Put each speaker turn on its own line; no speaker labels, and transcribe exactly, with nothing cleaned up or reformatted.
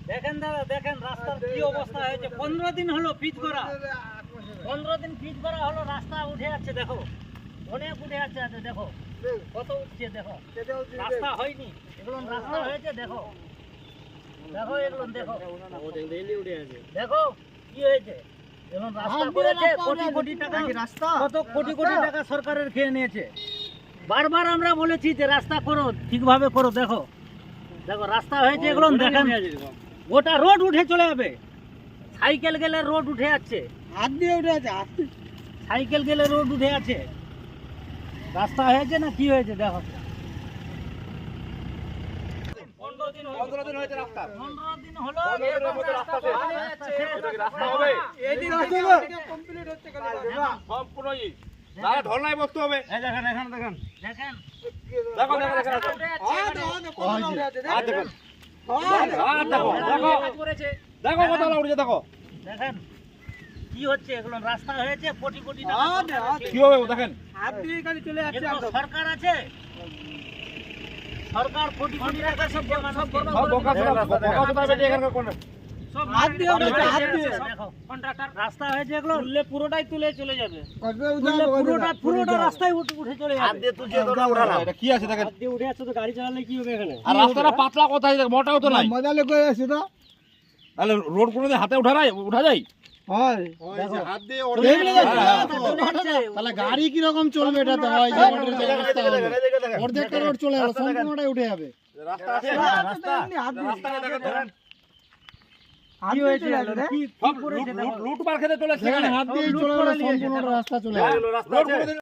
দেখেন দাদা, দেখেন রাস্তার কি অবস্থা হয়েছে। পনেরো দিন হলো পিচ করা, পনেরো দিন পিচ করা হলো, রাস্তা উঠে যাচ্ছে। দেখো অনেক উঠে যাচ্ছে, আছে দেখো কত উঠছে। দেখো রাস্তা হয়নি, এগুলো রাস্তা হয়েছে। দেখো দেখো এগুলো দেখো, দেখো কি হয়েছে। এগুলো রাস্তা করেছে, কোটি কোটি টাকা রাস্তা, কত কোটি কোটি টাকা সরকারের খেয়ে নিয়েছে। বারবার আমরা বলেছি যে রাস্তা করো, ঠিকভাবে করো। দেখো দেখো রাস্তা হয়েছে, এগুলো দেখেন গোটা রোড উঠে চলে যাবে। সাইকেল গেলে রোড উঠে যাচ্ছে, হাত দিয়ে উঠে আছে, হাত সাইকেল গেলে রোড উঠে আছে। রাস্তা হয়েছে না কি হয়েছে দেখো। পনেরো দিন হয়েছে রাস্তা, পনেরো দিন হলো রাস্তা হবে। এই দিন কমপ্লিট হচ্ছে সম্পূর্ণ দাদা ঢলনায় বসতে হবে। এই দেখেন এখানে দেখেন, দেখেন দেখো দেখো দেখেন, আর দেখেন দেখো কত উঠেছে। দেখো দেখেন কি হচ্ছে, এগুলো রাস্তা হয়েছে, কোটি কোটি টাকা কি হবে দেখেন। হাত দিয়ে গাড়ি চলে যাচ্ছে, সরকার আছে, সরকার কোটি কোটি টাকা সব সব বরবাদ করে এখানকার সব হাত দিয়ে হাত দিয়ে দেখো কন্ট্রাক্টর রাস্তা হয়েছে, এগুলো তুললে পুরোটাই তুলে চলে যাবে। পুরোটা পুরোটা রাস্তায় উঠে চলে যাবে। হাত দিয়ে তুলছে তো উঠানা, এটা কি আছে দেখেন। হাত দিয়ে উঠে আছে তো গাড়ি চালালে কি হবে এখানে। আর রাস্তাটা পাতলা কোথায়, মোটাও তো নাই, মজা লেগে আছে তো। তাহলে রোড কোনোদিন হাতে উঠা যায়, উঠা যায় হয় হাত দিয়ে ওঠে। তাহলে গাড়ি কি রকম চলবে এটা তো হয় যে অর্ধেকটা রোড চলে গেল, সম্পূর্ণটাই উঠে যাবে। রাস্তা আছে, রাস্তা রাস্তা দেখেন কি হয়েছে, কি লুট মার খেতে চলে, সেখানে হাত দিয়ে চলে গেল, সম্পূর্ণ রাস্তা চলে গেল।